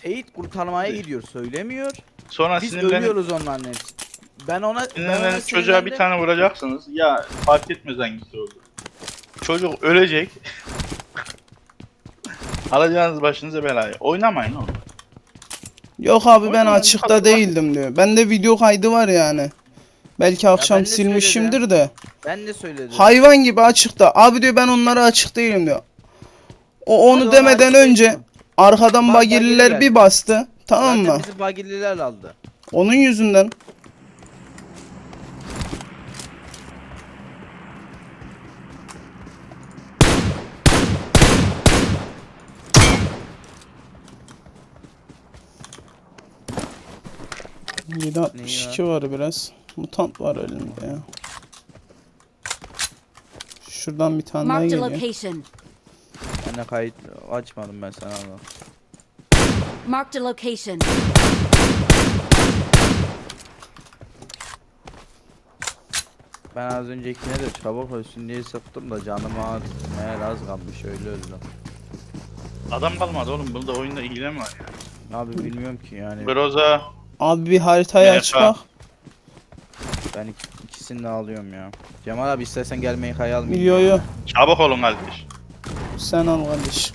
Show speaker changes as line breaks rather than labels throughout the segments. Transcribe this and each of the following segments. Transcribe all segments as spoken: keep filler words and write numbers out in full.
Seyit kurtarmaya gidiyor söylemiyor.
Sonra
Biz
sinirlenip
ölüyoruz onların hepsi. Ben ona, ben ona
sinirlenip çocuğa bir
sinirlendim.
tane vuracaksınız. Ya fark etmez hangisi oldu. Çocuk ölecek. Alacağınız başınıza belayı. Oynamayın oğlum.
Yok abi ben
Oynamayın,
açıkta
tabii,
değildim diyor. Bende video kaydı var yani. Belki akşam
ben de
silmişimdir
söyledim.
de.
Ben de söyledim.
Hayvan gibi açıkta. Abi diyor ben onlara açık değilim diyor. O onu
Hadi
demeden
ona açık
önce
değilsin.
arkadan
Bak,
bagililer
bagili
bir
geldi.
bastı. Tamam
Zaten
mı?
bizi bagililer aldı.
Onun yüzünden. yedi altmış iki var biraz. Mutant var elinde ya. Şuradan bir tane daha
Marked a
geliyor.
location.
Ben de kayıt açmadım ben sana ama.
Marked a location.
Ben az öncekine de çabuk ölsün diye sıktım da canıma meğer az kalmış öyle öldüm.
Adam kalmadı oğlum. Bunda oyunda ilgilen var ya.
Abi bilmiyorum ki yani
Groza
Abi bir haritayı
M F.
aç bak.
ben iki, ikisini de alıyorum ya. Cemal abi istersen gelmeyi hayal
Yo yo.
çabuk olun kardeş.
Sen al kardeş.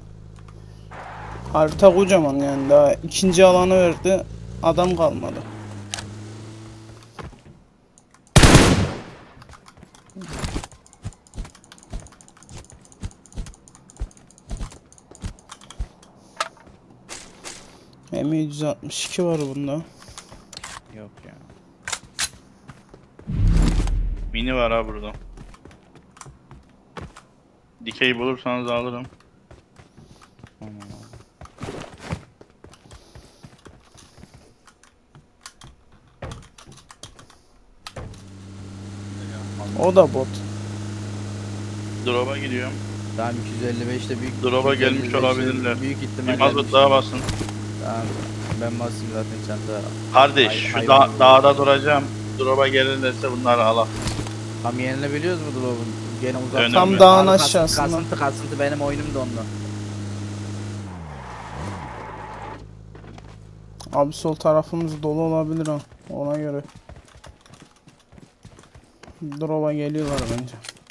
Harita kocaman yani daha ikinci alanı verdi. Adam kalmadı. M yüz altmış iki var bunda.
Yok ya.
Mini var ha burada. Dikey bulursanız alırım.
Aman
O da bot.
Drop'a gidiyorum.
Tamam iki yüz elli beşte büyük
Drop'a
iki yüz elli
gelmiş
beşte
olabilirler.
Büyük
Bir
ihtimalle.
mazot daha basın.
Tamam. Ben basayım zaten sen de.
Kardeş
Hay-
şu
hayvan
da
gibi.
dağda duracağım. Drop'a gelirlerse bunları al.
Tam yerini biliyoruz mu drop'un? Gene uzak.
Önemli.
Tam dağın
Abi kas-
aşağısında.
Kasıntı kasıntı benim oyunum da onunla.
Abi sol tarafımız dolu olabilir ha. Ona göre. Drop'a geliyorlar bence.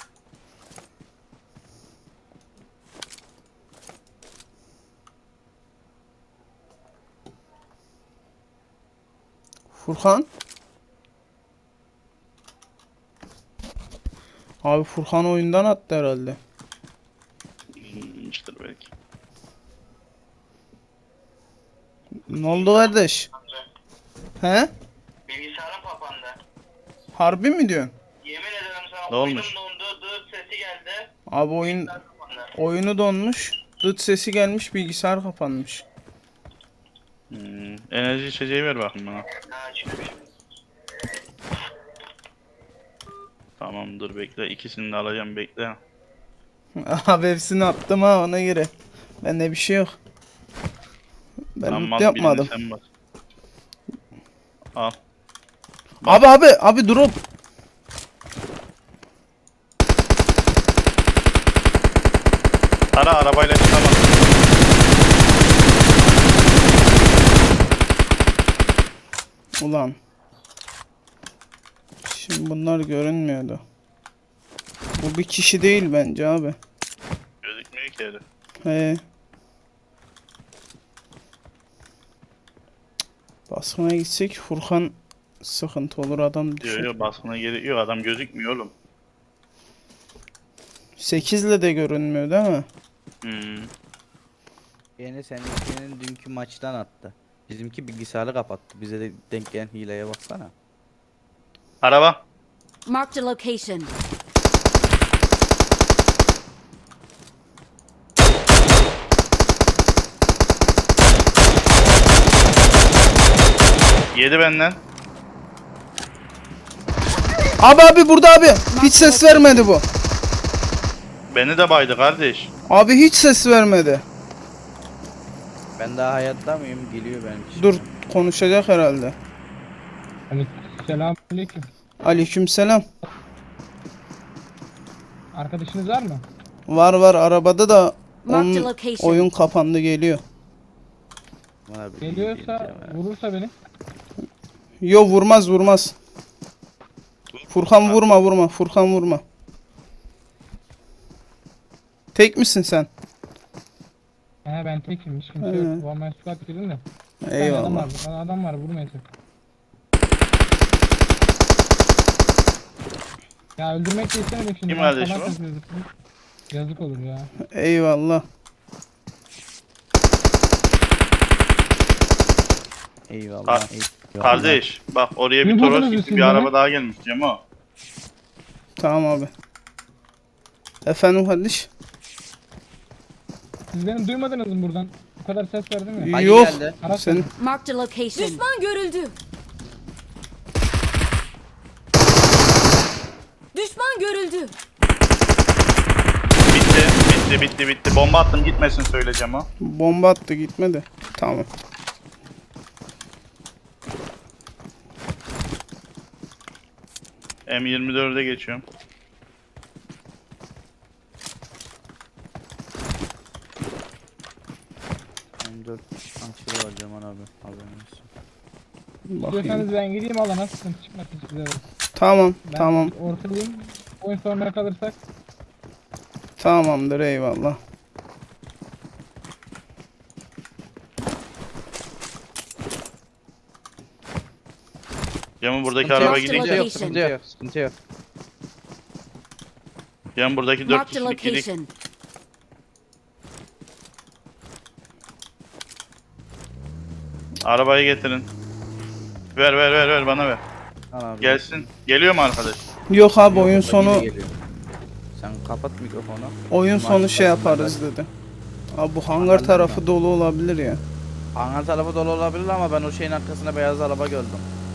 Furkan? Abi Furkan oyundan attı herhalde.
İşte belki.
Ne oldu kardeş? He?
Bilgisayarım kapandı.
Harbi mi diyorsun?
Yemin ederim sana
Ne
oyunum
olmuş?
dondu, dırt sesi geldi.
Abi oyun
Bilgisayar kapandı.
oyunu donmuş. Dıt sesi gelmiş, bilgisayar kapanmış.
Hmm, enerji içeceği ver bakın bana.
Ha çıkmış.
Tamam dur bekle. İkisini de alacağım bekle.
Abi hepsini attım ha ona göre. Bende bir şey yok. Ben
Tamam,
loot
al,
yapmadım.
birini sen bas. Al.
Abi abi abi drop.
Ara arabayla çıkamaz.
Ulan. Şimdi bunlar görünmüyordu. Bu bir kişi değil bence abi.
Gözükmüyor ki herif.
He. Baskına gitsek Furkan sıkıntı olur adam
Diyor
düşün.
yok baskına gerek yok. Adam gözükmüyor oğlum.
sekiz ile de görünmüyor değil mi?
Hmm.
Yine seninkinin dünkü maçtan attı. Bizimki bilgisayarı kapattı. Bize de denk gelen hileye baksana.
Araba.
Marked a location.
Yedi benden.
Abi abi burada abi. Hiç ses vermedi bu.
Beni de baydı kardeş.
Abi hiç ses vermedi.
Ben daha hayatta mıyım? Geliyor benimki.
Dur konuşacak herhalde.
Selamünaleyküm.
Aleykümselam.
Arkadaşınız var mı?
Var var arabada da
Marked a
onun
location.
oyun kapandı geliyor.
Bana bir
Geliyorsa
geleceğim ya.
vurursa beni.
Yo vurmaz vurmaz. Furkan vurma vurma. Furkan vurma. Tek misin sen?
He ben tekim hiç kimse
He.
yok. One man squad girdim de. Bir tane adam
Eyvallah.
var. Bir tane adam var vurmayacak. Ya öldürmek de istemedim şimdi.
Kim
Ben
kardeş
salak
o?
yazıyorduk. Yazık olur ya.
Eyvallah.
Eyvallah.
Kar-
eyvallah.
Kardeş bak oraya bir
Kim
Toros
buldunuz
gitti
siz
bir
beni?
araba daha gelmiş Cemo.
Tamam abi. Efendim kardeş?
Siz beni duymadınız mı buradan? Bu kadar ses verdim ya.
Hadi
Yok.
geldi.
Araç
Sen
geldi.
Marked a location. Düşman görüldü. Düşman görüldü.
Bitti bitti bitti bitti. Bomba attım gitmesin söyle Cemo.
bomba attı gitmedi. Tamam.
M yirmi dörde geçiyorum.
M dört açılı var Cemal abi. Haberin olsun.
Bakayım.
İstiyorsanız ben gideyim alana sıkıntı çıkmasın size de.
Tamam
Ben
tamam.
ortadayım. Oyun sonuna kalırsak
Tamamdır eyvallah.
Cemo buradaki
Sıkıntı
araba
yok,
gidik.
sıkıntı yok, sıkıntı yok, sıkıntı yok.
Cemo buradaki dört
Marked a
kişilik gidik.
location.
Arabayı getirin. Ver ver ver ver bana ver.
Al abi.
Gelsin. Geliyor mu arkadaş?
Yok abi oyun
Yoksa yine
sonu
geliyor. Sen kapat mikrofonu.
oyun
Maç
sonu şey
başında
yaparız
ben-
dedi. Abi bu hangar
Anladım
tarafı
ben.
dolu olabilir ya.
Hangar tarafı dolu olabilir ama ben o şeyin arkasında beyaz araba gördüm.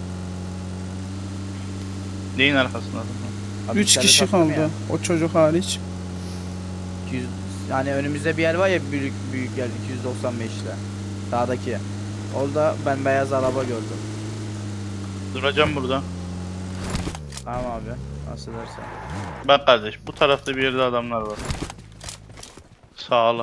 Neyin arkasında?
Abi
Üç
içeride
kişi
taktım
kaldı.
ya.
O çocuk hariç.
iki yüz yani önümüzde bir yer var ya büyük büyük yer iki yüz doksan beş'te. Sağdaki. Orada ben beyaz araba gördüm.
Duracağım burada.
Tamam abi. Nasıl dersen.
Bak kardeş bu tarafta bir yerde adamlar var. Sağla.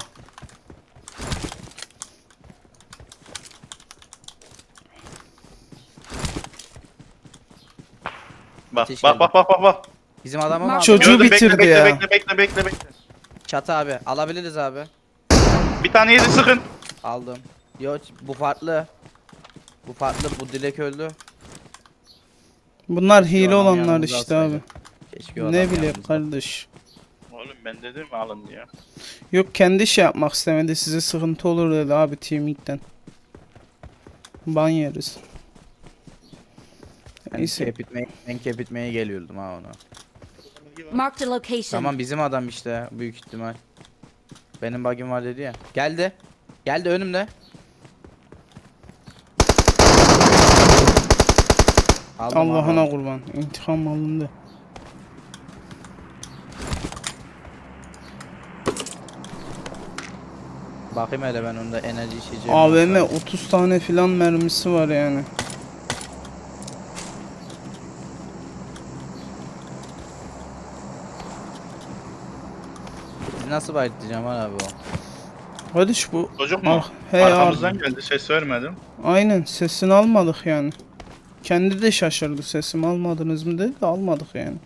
Bak
Ateş
bak
geldi.
bak bak bak bak.
Bizim adamı mı
Mak-
abi?
Çocuğu
Gördüm, bekle,
bitirdi
bekle,
ya.
Bekle bekle bekle bekle.
Çatı abi. Alabiliriz abi.
Bir tane yedi sıkın.
Aldım. Yok bu farklı. Bu farklı. Bu Dilek öldü.
Bunlar
Keşke o
hile
adamı
olanlar
yanımıza
işte abi.
alsaydık. Keşke o adam
Ne bileyim
yanımızda.
kardeş.
Oğlum ben dedim alın diye.
Yok kendi şey yapmak istemedi. Size sıkıntı olur dedi abi teaming'den. Ban yeriz.
Ben
Neyse.
kep etmeye, ben kep etmeye geliyordum ha ona.
Marked a location.
Tamam bizim adam işte büyük ihtimal. Benim bug'im var dedi ya. Geldi. Geldi önümde. Aldım
Allah'ına
abi.
kurban. İntikam alındı.
Bakayım hele ben onda enerji içeceğim.
A V M otuz tane filan mermisi var yani.
Biz nasıl bayıltacağım abi o?
Kardeş bu.
Çocuk mu?
Ah, he
Arkamızdan
abi.
geldi ses vermedim.
Aynen sesini almadık yani. Kendi de şaşırdı sesimi almadınız mı dedi de almadık yani.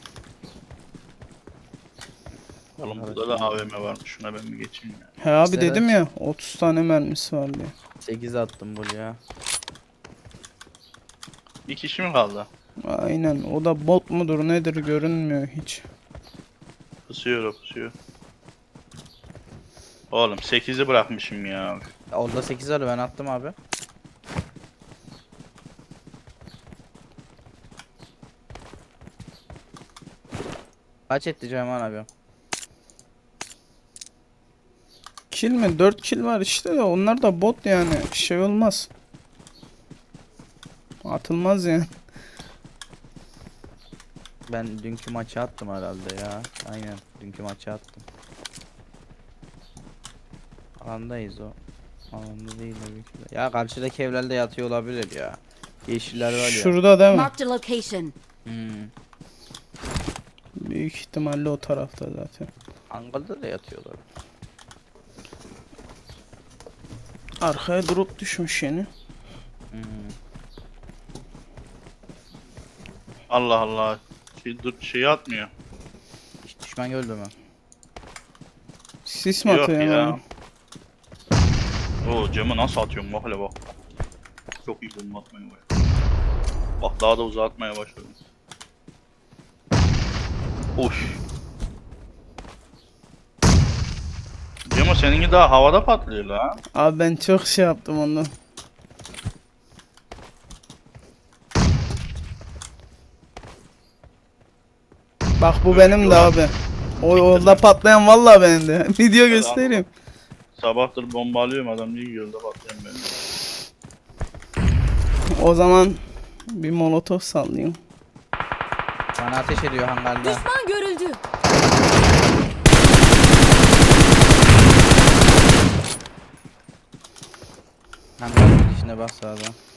Oğlum burada da A V M varmış. Şuna ben bir geçeyim ya.
He abi
İşte
dedim
evet.
ya otuz tane mermisi var diye.
sekiz attım buraya.
Bir kişi mi kaldı?
Aynen o da bot mudur nedir görünmüyor hiç.
Pusuyor o pusuyor. Oğlum sekizi bırakmışım ya.
Orada sekiz var ben attım abi. Kaç etti Cemal abi?
Kill mi? dört kill var işte de onlar da bot yani şey olmaz. Atılmaz yani.
Ben dünkü maçı attım herhalde ya. Aynen dünkü maçı attım. Alandayız o. Alanda değil tabii ki de. Ya karşıdaki evlerde yatıyor olabilir ya. Yeşiller var ya.
Şurada değil mi?
Marked a location.
Hmm.
Büyük ihtimalle o tarafta zaten.
Ankara'da da yatıyorlar.
Arkaya drop düşmüş yeni.
Hmm.
Allah Allah. Şey, dur, şeyi atmıyor.
Hiç düşman gördü mü?
Sis mi
Yok
atıyor
ya.
yani?
Oo camı nasıl atıyorum bak hele bak. Çok iyi bomba atmaya başladım. Bak daha da uzatmaya başladım. Oş. Cemo seninki daha havada patlıyor la.
Abi ben çok şey yaptım ondan. Bak bu benim de abi. O orada patlayan vallahi benim de. Video göstereyim.
Sabahtır bomba alıyorum adam niye gölde patlıyorum ben.
O zaman bir molotof sallayayım.
Bana ateş ediyor hangarda.
Düşman görüldü.
Hangarın içine bas sağdan.